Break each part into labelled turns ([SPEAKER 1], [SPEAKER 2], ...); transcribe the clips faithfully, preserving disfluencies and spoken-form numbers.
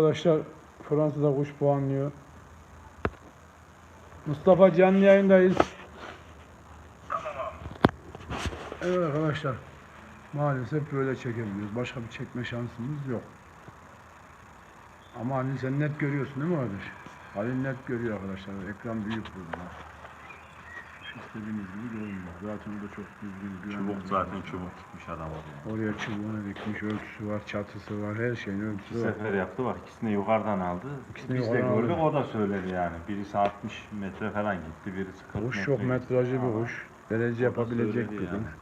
[SPEAKER 1] arkadaşlar Fransa'da kuş puanlıyor. Mustafa canlı yayındayız. Evet arkadaşlar. Maalesef böyle çekebiliyoruz. Başka bir çekme şansımız yok. Ama Halil sen net görüyorsun değil mi kardeş? Halil net görüyor arkadaşlar. Ekran büyük burada. İstediğiniz gibi görünüyor. Zaten o da çok düzgün.
[SPEAKER 2] Çubuk zaten çubuk tutmuş adam oraya.
[SPEAKER 1] Oraya çubuğunu dikmiş, ölçüsü var, çatısı var, her şeyin ölçüsü
[SPEAKER 2] Bir
[SPEAKER 1] var.
[SPEAKER 2] sefer yaptı bak, ikisini yukarıdan aldı.
[SPEAKER 1] İkisini
[SPEAKER 2] Biz de
[SPEAKER 1] yukarıdan
[SPEAKER 2] gördük,
[SPEAKER 1] aldı.
[SPEAKER 2] o da söyledi yani. Birisi altmış metre falan gitti, birisi kırk
[SPEAKER 1] Kuş
[SPEAKER 2] metre
[SPEAKER 1] çok
[SPEAKER 2] gitti.
[SPEAKER 1] metrajlı bir
[SPEAKER 2] Ama
[SPEAKER 1] kuş. Derece yapabilecek
[SPEAKER 2] söyledi
[SPEAKER 1] bir
[SPEAKER 2] yani.
[SPEAKER 1] kuş.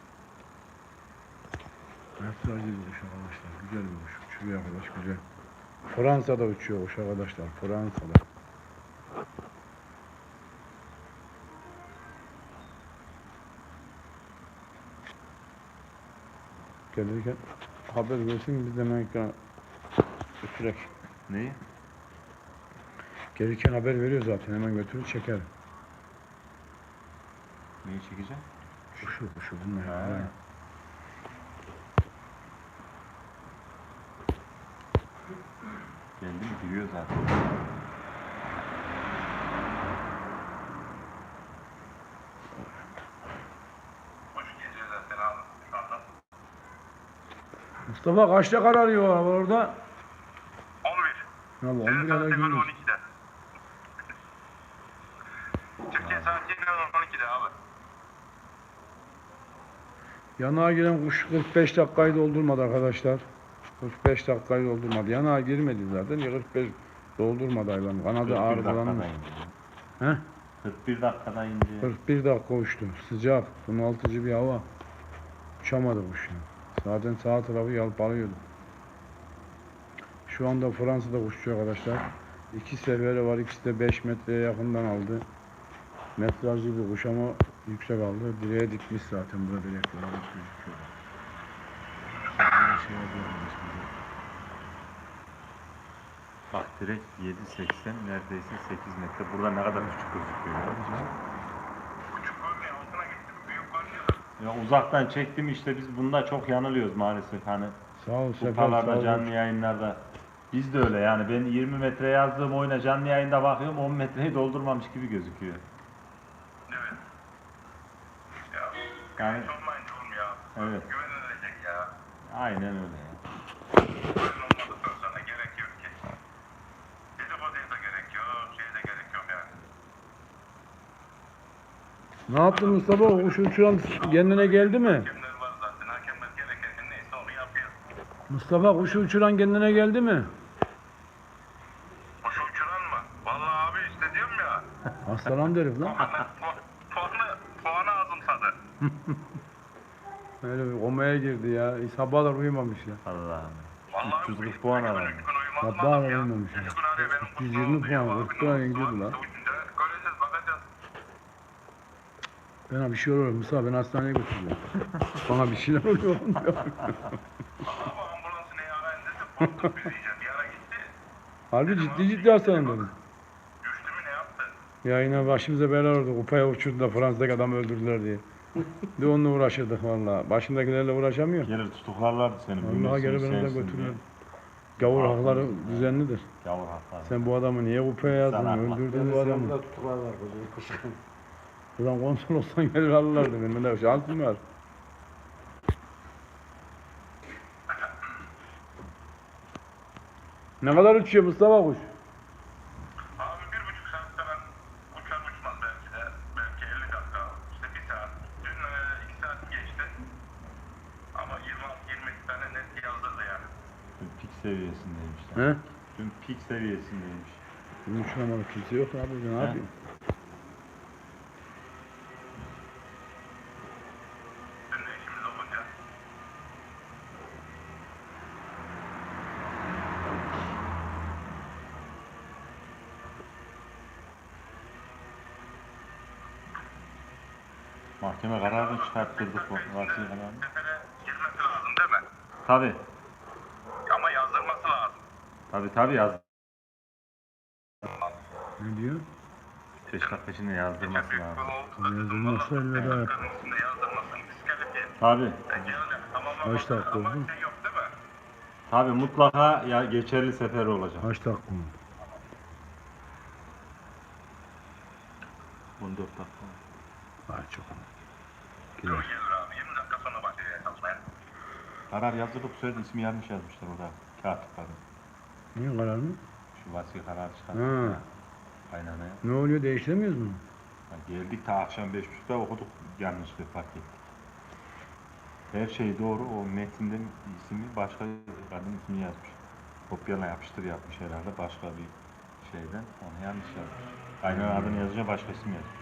[SPEAKER 1] Metrajlı bir kuş arkadaşlar. Güzel bir kuş. Uçuyor arkadaş güzel. Fransa'da uçuyor kuş arkadaşlar. Fransa'da. Gelirken haber versin biz de hemen ekrana götürek.
[SPEAKER 2] Neyi?
[SPEAKER 1] Gelirken haber veriyor zaten hemen götürür çeker.
[SPEAKER 2] Neyi çekeceğim?
[SPEAKER 1] Kuşu kuşu bunlar.
[SPEAKER 2] Ha.
[SPEAKER 1] Ha.
[SPEAKER 2] Geldi mi giriyor zaten.
[SPEAKER 1] Mustafa kaçta kararıyor hava orada?
[SPEAKER 3] on bir.
[SPEAKER 1] Ya bu on
[SPEAKER 3] Senin
[SPEAKER 1] bir kadar
[SPEAKER 3] saatin
[SPEAKER 1] gündüz.
[SPEAKER 3] on ikide. Türkiye saati on ikide abi.
[SPEAKER 1] Yanağa giren kuş kırk beş dakikayı doldurmadı arkadaşlar. kırk beş dakikayı doldurmadı. Yanağa girmedi zaten. kırk beş doldurmadı hayvan. Kanadı ağır dolanmış. He?
[SPEAKER 2] kırk bir dakikada indi.
[SPEAKER 1] kırk bir dakika uçtu. Sıcak, bunaltıcı bir hava. Uçamadı kuş ya. Zaten sağ tarafı yalpalıyordu. Şu anda Fransa'da kuşçu arkadaşlar. İki seferi var. İkisi de beş metreye yakından aldı. Metrajlı bir kuş ama yüksek aldı. Direğe dikmiş zaten burada direkler alıp gözüküyor. Şey
[SPEAKER 2] Bak direkt yedi seksen, neredeyse sekiz metre. Burada ne kadar küçük gözüküyor.
[SPEAKER 3] Küçük görmüyor, altına gitti. Büyük görmüyor.
[SPEAKER 2] Ya uzaktan çektim işte, biz bunda çok yanılıyoruz maalesef hani.
[SPEAKER 1] Sağ ol Sefer, sağ
[SPEAKER 2] Kupalarda,
[SPEAKER 1] ol.
[SPEAKER 2] canlı yayınlarda. Biz de öyle yani, ben yirmi metre yazdığım oyuna canlı yayında bakıyorum, on metreyi doldurmamış gibi gözüküyor.
[SPEAKER 3] Evet. Ya,
[SPEAKER 2] Yani
[SPEAKER 3] güvenç olmayınca oğlum ya.
[SPEAKER 2] evet,
[SPEAKER 3] Güvenilecek ya.
[SPEAKER 2] aynen öyle ya.
[SPEAKER 3] Güven olmadıktan sonra gerek yok ki. Dedikoduya da gerek yok, şeye de gerek yok yani.
[SPEAKER 1] Ne yaptın Mustafa? O kuş uçuran kendine geldi mi?
[SPEAKER 3] Hakemler var zaten, hakemler gereken neyse onu yapıyor.
[SPEAKER 1] Mustafa kuşu uçuran kendine geldi mi?
[SPEAKER 3] Kuşu uçuran mı? Vallahi abi işte diyorum ya.
[SPEAKER 1] Hastalandı herif lan.
[SPEAKER 3] Puanı, puanı, puanı azımsadı.
[SPEAKER 1] Öyle bir komaya girdi ya. Sabahlar uyumamış ya.
[SPEAKER 2] Allah'ım.
[SPEAKER 3] Vallahi
[SPEAKER 2] üç yüz kırk
[SPEAKER 3] üç
[SPEAKER 2] puan
[SPEAKER 3] gün,
[SPEAKER 2] aradı.
[SPEAKER 3] üç gün uyumaz
[SPEAKER 1] Sabahlar
[SPEAKER 3] lazım ya.
[SPEAKER 1] uyumamış ya.
[SPEAKER 3] Üç gün arıyor benim
[SPEAKER 1] üç yüz
[SPEAKER 3] kuşum
[SPEAKER 1] yirmi
[SPEAKER 3] oldu ya.
[SPEAKER 1] puan,
[SPEAKER 3] Abi
[SPEAKER 1] kırk
[SPEAKER 3] ne
[SPEAKER 1] puan
[SPEAKER 3] oldu?
[SPEAKER 1] indirdi
[SPEAKER 3] Abi
[SPEAKER 1] lan.
[SPEAKER 3] ucunda göreceğiz, bakacağız.
[SPEAKER 1] Bana bir şey oluyor Mustafa, beni hastaneye götürüyor. Bana bir şeyler oluyor.
[SPEAKER 3] Vallahi bu ambulansı neyi arayın dedi. Korktuk biz iyice. Bir ara gitti.
[SPEAKER 1] Harbi ciddi ciddi hastalandım.
[SPEAKER 3] Düştü mü ne yaptı?
[SPEAKER 1] Ya yine başımıza bela oldu. Kupaya uçurdu da Fransa'daki adamı öldürdüler diye. Bir de onunla uğraşırdık valla. Başındakilerle uğraşamıyor.
[SPEAKER 2] Gelir tutuklarlardı seni.
[SPEAKER 1] Vallahi
[SPEAKER 2] bilmiyorsun,
[SPEAKER 1] geri beni de
[SPEAKER 2] sensin
[SPEAKER 1] götürüyor.
[SPEAKER 2] diye.
[SPEAKER 1] Gavur
[SPEAKER 2] Haklı
[SPEAKER 1] hakları
[SPEAKER 2] mısın ya?
[SPEAKER 1] düzenlidir.
[SPEAKER 2] Gavur hakları.
[SPEAKER 1] Sen bu adamı niye kupaya yazdın?
[SPEAKER 2] Sen haklı.
[SPEAKER 1] Öldürdün bu adamı. Ulan konsul olsan gelir alırlardı. Benim de şansım var. Ne kadar uçuyor Mustafa kuş?
[SPEAKER 3] Abi bir buçuk saatte ben uçar uçmaz belki de. Belki elli dakika. İşte bir saat. Dün e, iki saat geçti. Ama yirmi yirmi tane net yazdırdı yani.
[SPEAKER 2] Dün pik seviyesindeymiş.
[SPEAKER 1] He?
[SPEAKER 2] Yani. Dün pik seviyesindeymiş.
[SPEAKER 1] Bunun uçuramadı kimse yok abi. Ne
[SPEAKER 2] He?
[SPEAKER 1] yapayım?
[SPEAKER 3] Dün de işimiz olunca.
[SPEAKER 2] Mahkeme kararını çıkarttırdık bu vasi kararını.
[SPEAKER 3] Sefere girmesi lazım değil mi?
[SPEAKER 2] Tabi.
[SPEAKER 3] Ama yazdırması lazım.
[SPEAKER 2] Tabi tabi yaz.
[SPEAKER 1] Ne diyor?
[SPEAKER 2] beş dakika içinde yazdırması
[SPEAKER 3] Büyük bir
[SPEAKER 2] lazım.
[SPEAKER 3] oldu.
[SPEAKER 1] Yazdırmazsa elveda yap.
[SPEAKER 3] Üstünde yazdırmasın. Diskalifiye.
[SPEAKER 2] Tabi.
[SPEAKER 3] Peki öyle. Ama ama-
[SPEAKER 1] Kaç dakika
[SPEAKER 3] ama
[SPEAKER 1] oldu?
[SPEAKER 3] şey yok değil mi?
[SPEAKER 2] Tabii mutlaka ya geçerli sefer olacak.
[SPEAKER 1] Kaç dakika oldu?
[SPEAKER 2] on dört dakika.
[SPEAKER 1] Ay çok.
[SPEAKER 3] Gelir
[SPEAKER 1] Gider.
[SPEAKER 3] abi. yirmi dakika sonra başlıyor çalışmaya.
[SPEAKER 2] Karar yazılıp söyledi ismi yanlış yazmışlar orada katiplerin.
[SPEAKER 1] Niye karar mı?
[SPEAKER 2] Şu vasi karar
[SPEAKER 1] Ha.
[SPEAKER 2] çıkarttık ya. Aynen öyle.
[SPEAKER 1] Ne oluyor, değiştiremiyoruz mu?
[SPEAKER 2] Ya geldik ta akşam beş buçukta okuduk yanlışlığı fark ettik. Her şey doğru o metinde ismi başka kadın ismi yazmış. Kopyala yapıştır yapmış herhalde başka bir şeyden onu yanlış yazmış. Aynen adını yazınca başka isim yazmış.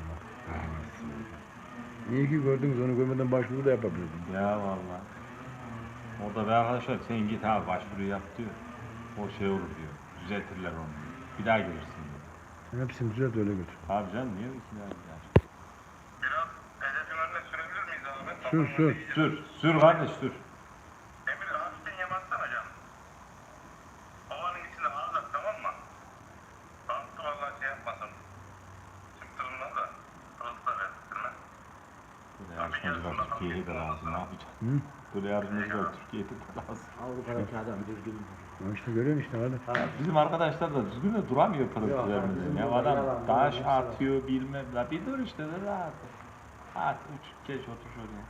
[SPEAKER 1] İyi ki gördünüz, onu görmeden başvuru da yapabiliyordum.
[SPEAKER 2] Ya vallahi. Orada bir arkadaşlar sen git abi başvuru yap diyor. O şey olur diyor. Düzeltirler onu. Bir daha gelirsin diyor.
[SPEAKER 1] Ben hepsini düzelt öyle götür.
[SPEAKER 2] Abi canım niye iki daha gider?
[SPEAKER 3] Biraz hedefin önüne sürebilir miyiz abi?
[SPEAKER 1] Sür, sür.
[SPEAKER 2] Sür, sür kardeş sür.
[SPEAKER 3] Emir hafiften yem atsana canım. Ovanın içinde ağzak tamam mı? Bantı vallahi şey yapmasın. Çıktırımdan da. Pırıltı da verdirme.
[SPEAKER 2] Böyle yarışmacılar Türkiye'ye de lazım ne yapacak?
[SPEAKER 1] Hı?
[SPEAKER 2] Böyle yarışmacılar Türkiye'de de lazım.
[SPEAKER 4] Avrupa'daki adam düzgün.
[SPEAKER 1] Ya işte görüyorsun işte hadi.
[SPEAKER 2] Bizim arkadaşlar da düzgün de duramıyor pırıltı
[SPEAKER 4] Yok,
[SPEAKER 2] vermeden.
[SPEAKER 4] bizim
[SPEAKER 2] Ya
[SPEAKER 4] burada
[SPEAKER 2] adam
[SPEAKER 4] yalan,
[SPEAKER 2] taş
[SPEAKER 4] yalan, hepsi
[SPEAKER 2] atıyor bilmem. La bir dur işte de rahat. At uç geç otur şöyle.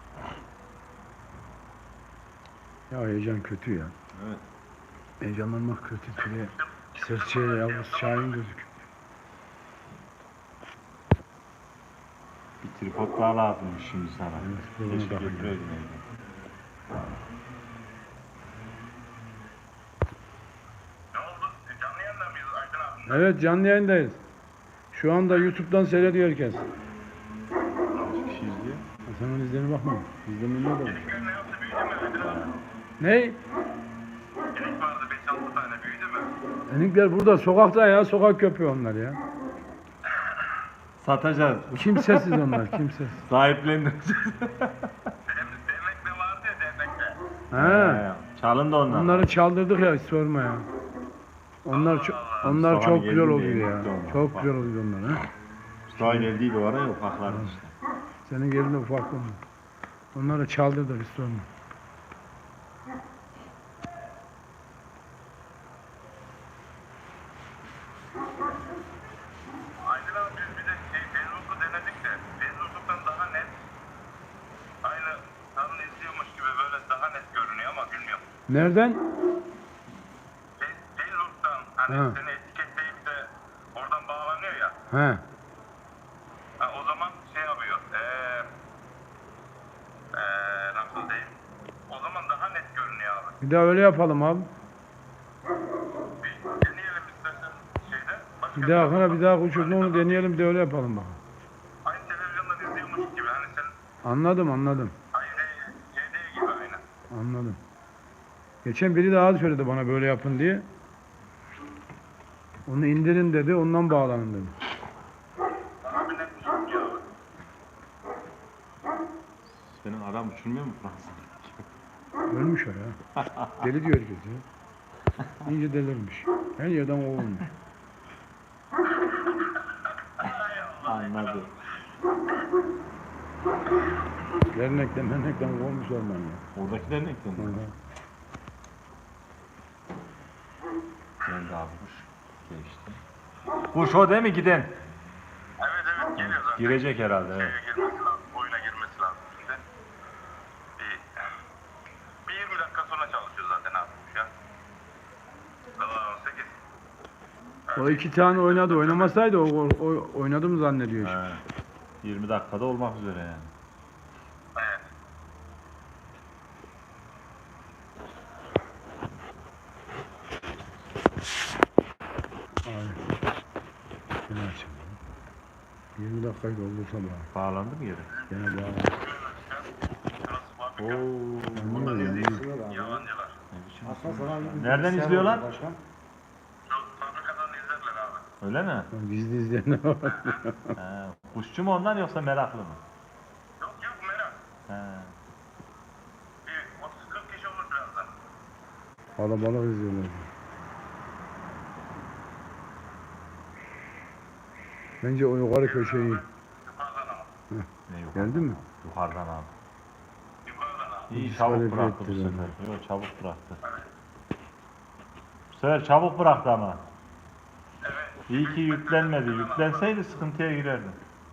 [SPEAKER 1] Ya heyecan kötü ya.
[SPEAKER 2] Evet.
[SPEAKER 1] Heyecanlanmak kötü. Şuraya serçeye yavrusu şahin gözüküyor.
[SPEAKER 2] Bir tripod daha lazımmış şimdi sana.
[SPEAKER 1] Evet, bunu
[SPEAKER 2] Keşke
[SPEAKER 1] da
[SPEAKER 2] getireydin evden.
[SPEAKER 3] Ne oldu? Canlı yayında mıyız Aydın abi?
[SPEAKER 1] Evet, canlı yayındayız. Şu anda YouTube'dan seyrediyor herkes.
[SPEAKER 2] Kaç kişi izliyor?
[SPEAKER 1] Ha, sen onun izlerine bakma. İzlemeyin ne olur.
[SPEAKER 3] Çelikler ne yaptı? Büyüdü mü Aydın abi?
[SPEAKER 1] Ne?
[SPEAKER 3] Çelik vardı beş altı tane büyüdü mü?
[SPEAKER 1] Enikler burada sokakta ya. Sokak köpeği onlar ya.
[SPEAKER 2] Satacağız.
[SPEAKER 1] Kimsesiz onlar, kimsesiz.
[SPEAKER 2] Sahiplendireceğiz.
[SPEAKER 3] Dem- Dernekte vardı ya dernekte.
[SPEAKER 1] Ha.
[SPEAKER 2] Çalın da onlar.
[SPEAKER 1] Onları çaldırdık ya, hiç sorma ya. Onlar çok, onlar
[SPEAKER 2] Mustafa
[SPEAKER 1] çok
[SPEAKER 2] geldi
[SPEAKER 1] güzel
[SPEAKER 2] de
[SPEAKER 1] oluyor ya.
[SPEAKER 2] yemekte onlar.
[SPEAKER 1] Çok
[SPEAKER 2] Bak.
[SPEAKER 1] güzel oluyor onlar ha.
[SPEAKER 2] Mustafa geldiydi o ara ya ufaklardı işte.
[SPEAKER 1] Senin yerinde ufak onlar. Onları çaldırdık, hiç sorma.
[SPEAKER 3] Aydın abi biz bir de şey, Facebook'u denedik de Facebook'tan daha net aynı tanrı izliyormuş gibi böyle daha net görünüyor ama bilmiyorum.
[SPEAKER 1] Nereden?
[SPEAKER 3] Fe- Facebook'tan hani
[SPEAKER 1] Ha.
[SPEAKER 3] seni etiketleyip de oradan bağlanıyor ya.
[SPEAKER 1] He.
[SPEAKER 3] Ha, o zaman şey yapıyor. Eee eee nasıl diyeyim? O zaman daha net görünüyor abi.
[SPEAKER 1] Bir daha öyle yapalım abi.
[SPEAKER 3] Bir deneyelim istersen şeyde. Başka
[SPEAKER 1] Bir daha
[SPEAKER 3] bir-
[SPEAKER 1] sonra bir daha uçurdu onu deneyelim, bir de öyle yapalım bakalım.
[SPEAKER 3] Aynı televizyondan izliyormuş gibi hani sen
[SPEAKER 1] Anladım, anladım.
[SPEAKER 3] aynı C D gibi aynı.
[SPEAKER 1] Anladım. Geçen biri daha söyledi bana böyle yapın diye. Onu indirin dedi, ondan bağlanın dedi.
[SPEAKER 3] Daha bir net gözüküyor abi.
[SPEAKER 2] Senin adam uçurmuyor mu Fransız?
[SPEAKER 1] Ölmüş o ya. Deli diyor herkes ya. İyice delirmiş. Her yerden kovulmuş.
[SPEAKER 2] Anladım.
[SPEAKER 1] Dernekten, dernekten kovulmuş orman ya.
[SPEAKER 2] Oradakiler ne eklendi?
[SPEAKER 1] Orada.
[SPEAKER 2] Geldi abi kuş. Geçti. Kuş o değil mi giden?
[SPEAKER 3] Evet evet geliyor zaten.
[SPEAKER 2] Girecek herhalde evet.
[SPEAKER 3] Şeye girmesi lazım, oyuna girmesi lazım şimdi. Bir, bir yirmi dakika sonra çalışıyor zaten abi bu ya. Sabah on sekiz.
[SPEAKER 1] O iki tane oynadı. Oynamasaydı o, o, o oynadı mı zannediyor şimdi.
[SPEAKER 2] He. yirmi dakikada olmak üzere yani.
[SPEAKER 3] Evet.
[SPEAKER 1] Aynen. Yine açayım. yirmi dakikayı doldursa bana.
[SPEAKER 2] Bağlandı mı yere?
[SPEAKER 1] Gene bağlı.
[SPEAKER 3] Şurası fabrika.
[SPEAKER 2] Oo.
[SPEAKER 1] Yanıyor, yanıyor.
[SPEAKER 3] Yalancılar.
[SPEAKER 2] Ne biçim
[SPEAKER 4] Aslında sana bir
[SPEAKER 2] Nereden
[SPEAKER 4] bilgisayar
[SPEAKER 2] izliyorlar?
[SPEAKER 4] oldu başkan.
[SPEAKER 3] Şu fabrikadan izlerler abi.
[SPEAKER 2] Öyle mi?
[SPEAKER 1] Gizli izleyenler var.
[SPEAKER 2] He. Kuşçu mu ondan yoksa meraklı mı?
[SPEAKER 3] Yok yok merak.
[SPEAKER 2] He.
[SPEAKER 3] Bir otuz kırk kişi olur birazdan.
[SPEAKER 1] Kalabalık izliyorlar. Bence o yukarı köşeyi.
[SPEAKER 3] Yukarıdan ama.
[SPEAKER 2] Ne yukarıdan?
[SPEAKER 1] Geldi mi?
[SPEAKER 2] Yukarıdan abi.
[SPEAKER 3] Yukarıdan abi.
[SPEAKER 2] İyi çabuk
[SPEAKER 1] Diskalifiye
[SPEAKER 2] bıraktı bu
[SPEAKER 1] ettiler.
[SPEAKER 2] sefer. Yok çabuk bıraktı. Bu sefer çabuk bıraktı ama.
[SPEAKER 3] Evet.
[SPEAKER 2] İyi ki yüklenmedi. Yüklenseydi sıkıntıya girerdi.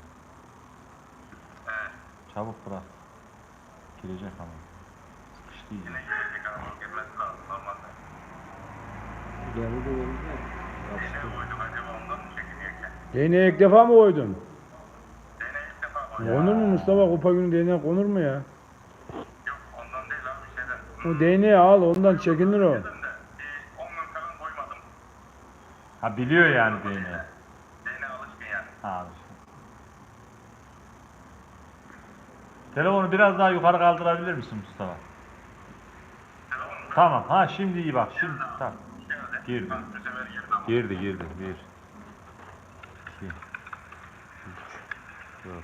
[SPEAKER 3] Evet.
[SPEAKER 2] Çabuk bıraktı. Girecek ama. Sıkıştı iyice.
[SPEAKER 3] Yine gelecek ama girmesi lazım normalde.
[SPEAKER 4] Geldi de geldi.
[SPEAKER 3] Bir şey koyduk acaba ondan mı çekiniyorken?
[SPEAKER 1] Değneğe ilk defa mı koydun?
[SPEAKER 3] Dene ilk defa koyduk.
[SPEAKER 1] Konur mu Mustafa? Kupa günü değneğe konur mu ya?
[SPEAKER 3] Yok ondan değil abi şeyden.
[SPEAKER 1] O değneği al, ondan çekinir o.
[SPEAKER 3] Dedim de bir on gün falan koymadım.
[SPEAKER 2] Ha biliyor yani beni.
[SPEAKER 3] Dene alışkın yani.
[SPEAKER 2] Ha. Telefonu biraz daha yukarı kaldırabilir misin Mustafa?
[SPEAKER 3] Telefon
[SPEAKER 2] Tamam. Ha şimdi iyi bak. Şimdi tamam.
[SPEAKER 3] geldi.
[SPEAKER 2] Girdi.
[SPEAKER 3] Bak bu sefer girdi ama.
[SPEAKER 2] Girdi girdi. Bir. İki. Üç. Dört.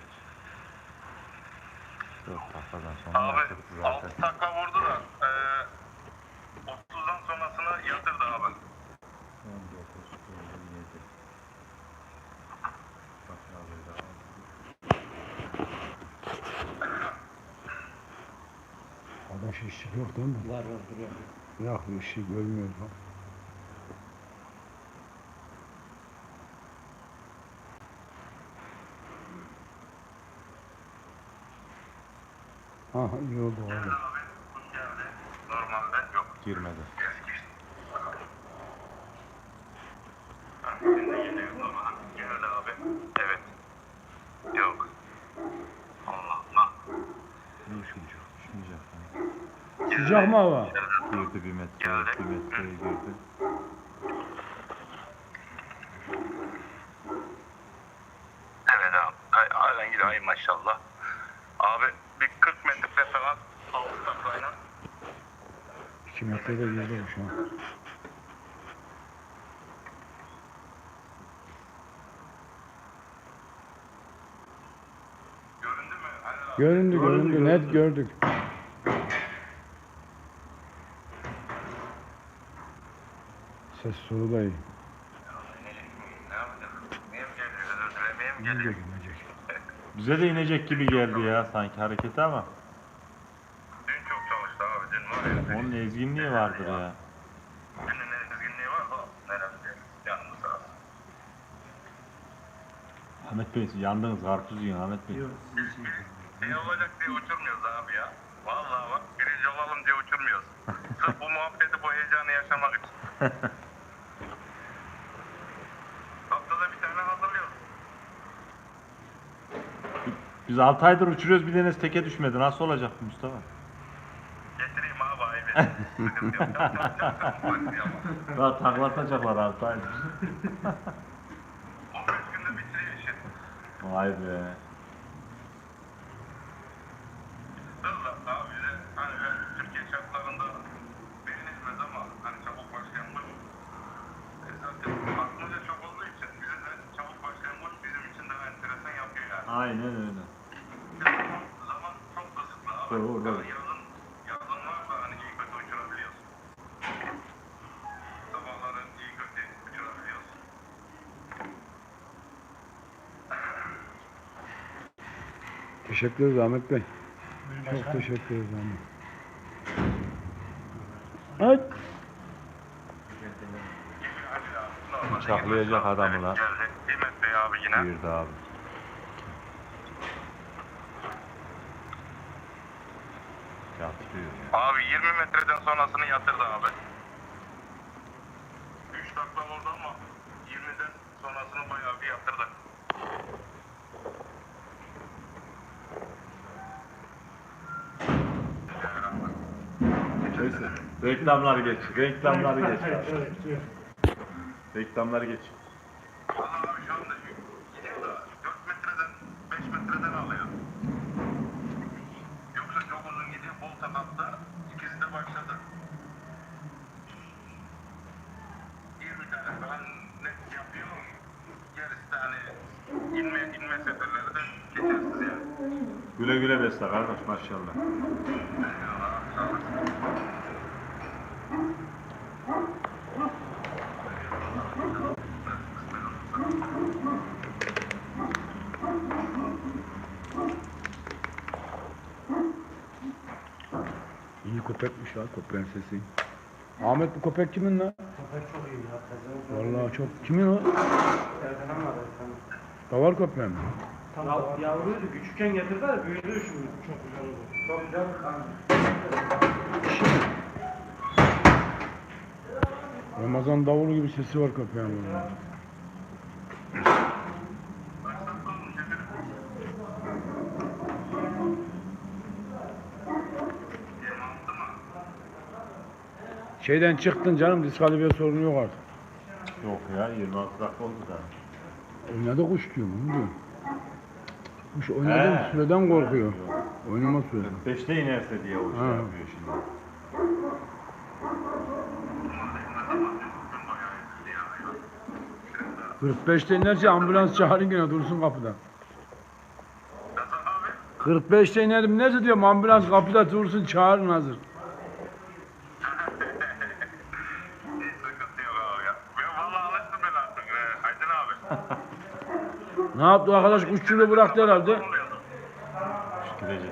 [SPEAKER 2] Dört dakikadan sonra
[SPEAKER 3] Abi
[SPEAKER 2] yaptık zaten.
[SPEAKER 3] altı takla vurdu da eee otuzdan sonrasını yatırdı abi.
[SPEAKER 2] on dokuz, on yedi. Bak abi daha.
[SPEAKER 1] Adaş ışık yok değil mi?
[SPEAKER 4] Var var duruyor.
[SPEAKER 1] Yok ışık görmüyoruz bak. Ha iyi oldu abi.
[SPEAKER 3] Geldi abi. Kuş geldi. Normalde yok.
[SPEAKER 2] Girmedi.
[SPEAKER 3] Ha, şimdi geliyor normal. Geldi abi. Evet. Yok. Allah Allah.
[SPEAKER 2] İyi şuncuk. Şuncuk.
[SPEAKER 1] Sıcak mı hava?
[SPEAKER 2] Girdi bir metre.
[SPEAKER 3] Geldi.
[SPEAKER 2] Bir metreye girdi.
[SPEAKER 3] Evet abi. Ay, halen gidiyor. Ay maşallah. Abi bir kırk metre falan altı taklayla.
[SPEAKER 1] iki metrede girdi bu şu an.
[SPEAKER 3] Göründü mü? Hani abi.
[SPEAKER 1] Göründü
[SPEAKER 2] Göründü,
[SPEAKER 1] göründü net
[SPEAKER 2] göründü.
[SPEAKER 1] gördük. Ses solu da iyi.
[SPEAKER 3] Ne yapacak? Niye mi geliyor? Özür dilemeye mi
[SPEAKER 1] İyi
[SPEAKER 3] geliyor?
[SPEAKER 1] görünecek.
[SPEAKER 2] Bize de inecek gibi geldi ya sanki hareketi ama.
[SPEAKER 3] Dün çok çalıştı abi. Dün var ya.
[SPEAKER 2] Onun ezginliği vardır ya.
[SPEAKER 3] Dünün ne dizginliği var da neresi? Yanımda sağ olsun.
[SPEAKER 2] Ahmet Bey yandınız karpuz yiyin Ahmet Bey.
[SPEAKER 4] Yok sizin için.
[SPEAKER 3] Ne olacak diye uçurmuyoruz abi ya. Vallahi bak birinci olalım diye uçurmuyoruz. Sırf bu muhabbeti, bu heyecanı yaşamak için. Haftada bir tane hazırlıyoruz.
[SPEAKER 2] Biz altı aydır uçuruyoruz bir tanesi teke düşmedi. Nasıl olacak bu Mustafa?
[SPEAKER 3] Getireyim abi ayıbı. Sıkıntı yok. Yapacağım, yapacağım.
[SPEAKER 2] Daha taklatacaklar altı aydır.
[SPEAKER 3] on beş günde bitiriyor işi.
[SPEAKER 2] Vay be.
[SPEAKER 3] Hızla abi bize hani ben Türkiye şartlarında beğenilmez ama hani çabuk başlayan kuş. E zaten aklımızda çok olduğu için bize de çabuk başlayan kuş bizim için daha enteresan yapıyor yani.
[SPEAKER 2] Aynen öyle.
[SPEAKER 3] Zaman çok kısıtlı abi.
[SPEAKER 2] Doğru, doğru.
[SPEAKER 3] Yani yazın, yazın varsa hani iyi kötü uçurabiliyorsun. Sabahları iyi kötü uçurabiliyorsun.
[SPEAKER 1] Teşekkür ederiz Ahmet Bey. Çok teşekkür ederiz Ahmet. Ay.
[SPEAKER 2] Bıçaklayacak adamı lan.
[SPEAKER 3] Geldi. Kıymet Bey abi yine.
[SPEAKER 2] Girdi abi. Yatırıyor ya.
[SPEAKER 3] Abi yirmi metreden sonrasını yatırdı abi. üç takla vurdu ama yirmiden sonrasını bayağı bir yatırdı.
[SPEAKER 2] Neyse. Reklamları geç. Reklamları geç. Reklamları geç.
[SPEAKER 3] Valla abi şu anda gidiyor da dört metreden beş metreden alıyor. Yoksa çok uzun gidiyor. Bol takatta ikisi de başladı. yirmi tane falan net yapıyor. Gerisi de hani inme, inme seferleri de geçersiz yani.
[SPEAKER 2] Güle güle besle kardeş maşallah.
[SPEAKER 3] Eyvallah, sağ olasın.
[SPEAKER 1] köpekmiş ya, köpeğin sesi. Ahmet, bu köpek kimin lan?
[SPEAKER 4] Köpek çok iyi ya. Tezgahın
[SPEAKER 1] Vallahi çok. Kimin o?
[SPEAKER 4] Erkan'ın var Erkan'ın.
[SPEAKER 1] Davar köpeği mi?
[SPEAKER 4] Tam ya, yavruydu. Küçükken getirdiler. Büyüdü şimdi. Çok güzel oldu. Çok güzel bir kan.
[SPEAKER 1] Ramazan davulu gibi sesi var köpeğin. vallahi. Şeyden çıktın canım, diskalifiye sorunu yok artık.
[SPEAKER 2] Yok ya yirmi altı dakika oldu da.
[SPEAKER 1] Oynadı kuş diyorum, onu diyorum. Kuş oynadığı
[SPEAKER 2] He.
[SPEAKER 1] süreden korkuyor. Oynama süreden.
[SPEAKER 2] Beşte inerse diye o şey
[SPEAKER 1] Ha.
[SPEAKER 2] yapıyor şimdi.
[SPEAKER 1] kırk beşte inerse ambulans çağırın yine dursun kapıda. kırk beşte inerim nerede diyorum, ambulans kapıda dursun çağırın hazır.
[SPEAKER 3] Hiç sıkıntı yok abi ya. Ben vallahi alıştım ben artık. Ee, Aydın abi.
[SPEAKER 1] Ne yaptı arkadaş, kuşçuluğu bıraktı herhalde.
[SPEAKER 3] Ne oluyordu?
[SPEAKER 2] Girecek.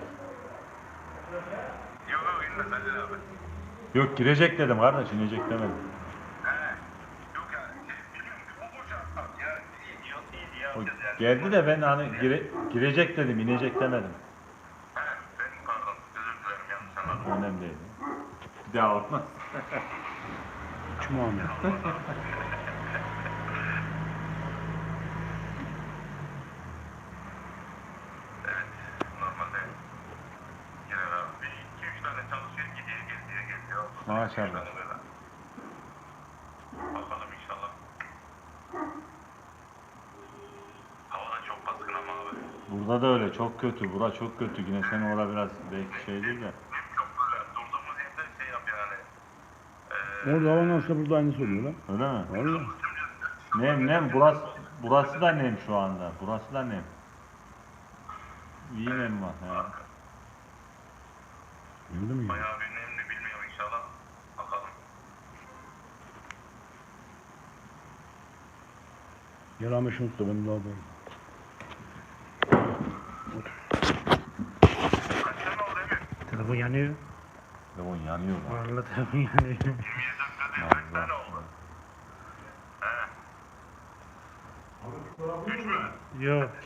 [SPEAKER 3] Yok yok inme Aydın abi.
[SPEAKER 2] Yok girecek dedim kardeş, inecek demedim.
[SPEAKER 3] He. Yok ya. Şey, bilmiyorum ki bu uçak ya. İyi diyor, iyi diyor.
[SPEAKER 2] O
[SPEAKER 3] yapacağız yani.
[SPEAKER 2] geldi de ben hani gire, girecek dedim, inecek demedim.
[SPEAKER 3] He. Ben pardon. Özür dilerim yanlış anladım.
[SPEAKER 2] Önemli değil. Bir daha olmaz.
[SPEAKER 1] Kim Ahmet?
[SPEAKER 3] Evet. Normalde girer abi. Bir iki üç tane çalışıyor. Gidiyor geliyor geliyor.
[SPEAKER 2] Maşallah.
[SPEAKER 3] İki, üç tane böyle. Bakalım inşallah. Hava da çok baskın ama abi.
[SPEAKER 2] Burada da öyle, çok kötü. Bura çok kötü. Yine senin orada biraz belki şeydir de.
[SPEAKER 3] Hem çok böyle durduğumuz yerde şey yapıyor yani.
[SPEAKER 1] Orada hava nasılsa burada aynısı oluyor lan.
[SPEAKER 2] Öyle mi?
[SPEAKER 1] Vallahi.
[SPEAKER 2] Nem nem, burası, burası da nem şu anda. Burası da nem. İyi nem var. He.
[SPEAKER 1] Gördün mü ya?
[SPEAKER 3] Bayağı bir nemli bilmiyorum inşallah. Bakalım.
[SPEAKER 1] Gel Ahmet şunu tut da benim daha böyle.
[SPEAKER 3] Kaç tane oldu Emir?
[SPEAKER 4] Telefon yanıyor.
[SPEAKER 2] Telefon yanıyor lan.
[SPEAKER 4] Vallahi telefon yanıyor.
[SPEAKER 3] yirmi dört değil kaç tane oldu? He. Üç mü?
[SPEAKER 4] Yok.